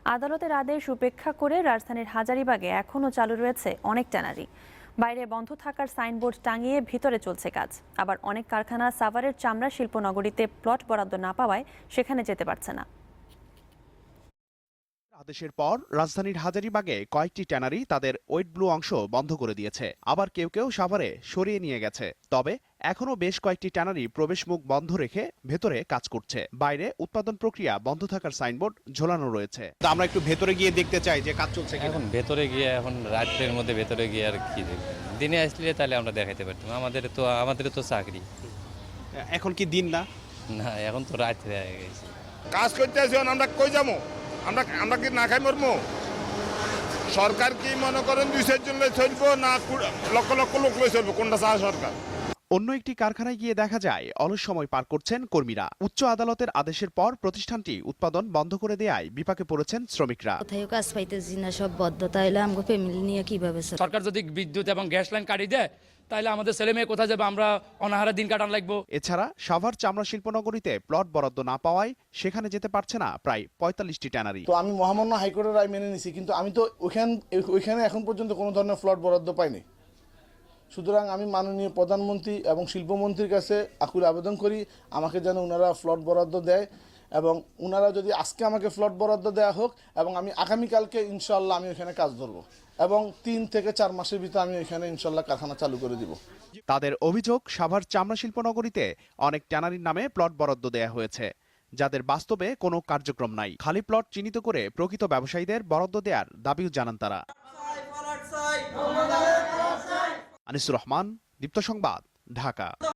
আদালতের আদেশ উপেক্ষা করে রাজধানীর হাজারীবাগে এখনও চালু রয়েছে অনেক ট্যানারি। বাইরে বন্ধ থাকার সাইনবোর্ড টাঙিয়ে ভিতরে চলছে কাজ। আবার অনেক কারখানা সাভারের চামড়া শিল্প নগরীতে প্লট বরাদ্দ না পাওয়ায় সেখানে যেতে পারছে না। আদেশের পর রাজধানীর হাজারীবাগে কয়েকটি ট্যানারি তাদের ওয়েট ব্লু অংশ বন্ধ করে দিয়েছে, আবার কেউ কেউ সাভারে সরিয়ে নিয়ে গেছে। তবে এখনো বেশ কয়েকটি ট্যানারি প্রবেশমুখ বন্ধ রেখে ভেতরে কাজ করছে। বাইরে উৎপাদন প্রক্রিয়া বন্ধ থাকার সাইনবোর্ড ঝোলানো রয়েছে। আমরা একটু ভেতরে গিয়ে দেখতে চাই যে কাজ চলছে কিনা। এখন ভেতরে গিয়ে এখন রাত্রের মধ্যে ভেতরে গিয়ে আর কি দেখবেন, দিনে আসলে তাহলে আমরা দেখাইতে পারতাম। আমাদের তো চাকরি। এখন কি দিন না? না, এখন তো রাত্রে হয়ে গেছে। কাজ করতে আসি, আমরা কই যাবো? আমরা কি না খাই মরবো? সরকার কি মনে করেন 200 জন লই চলবো না লক্ষ লক্ষ লোক লই চলবো? কোনটা চায় সরকার? অন্য একটি কারখানায় গিয়ে দেখা যায় অলস সময় পার করছেন কর্মীরা। উচ্চ আদালতের আদেশের পর প্রতিষ্ঠানটি উৎপাদন বন্ধ করে দেয়ায় বিপাকে পড়েছেন শ্রমিকরা। কোথাও কাজ পাইতেছি না, সব বদ্ধতা হইলে আমাকে ফ্যামিলি নিয়ে কিভাবে চলবে? সরকার যদি বিদ্যুৎ এবং গ্যাস লাইন কাটিয়ে দেয় তাহলে আমাদের ছেলে মেয়ে কোথায় যাবে? আমরা অনাহারে দিন কাটান লাগবো। এছাড়া সাভার চামড়া শিল্পনগরীতে প্লট বরাদ্দ না পাওয়ায় সেখানে যেতে পারছে না প্রায় 45টি ট্যানারি। তো আমি মহামান্য হাইকোর্টের রায় মেনে নিছি, কিন্তু আমি তো ওইখানে এখন পর্যন্ত কোনো ধরনের প্লট বরাদ্দ পাইনি। সুতরাং আমি মাননীয় প্রধানমন্ত্রী এবং শিল্পমন্ত্রীর কাছে আকুল আবেদন করি আমাকে যেন ওনারা প্লট বরাদ্দ দেয়, এবং ওনারা যদি আজকে আমাকে প্লট বরাদ্দ দেওয়া হোক, এবং আমি আগামীকালকে ইনশাল্লাহ আমি ওইখানে কাজ ধরবো, এবং 3 থেকে 4 মাসের ভিতরে আমি ওইখানে ইনশাল্লাহ কারখানা চালু করে দিব। তাদের অভিযোগ, সাভার চামড়া শিল্পনগরীতে অনেক ট্যানারির নামে প্লট বরাদ্দ দেয়া হয়েছে, যাদের বাস্তবে কোনো কার্যক্রম নাই। খালি প্লট চিহ্নিত করে প্রকৃত ব্যবসায়ীদের বরাদ্দ দেওয়ার দাবিও জানান তারা। আনিসুর রহমান, দীপ্ত সংবাদ, ঢাকা।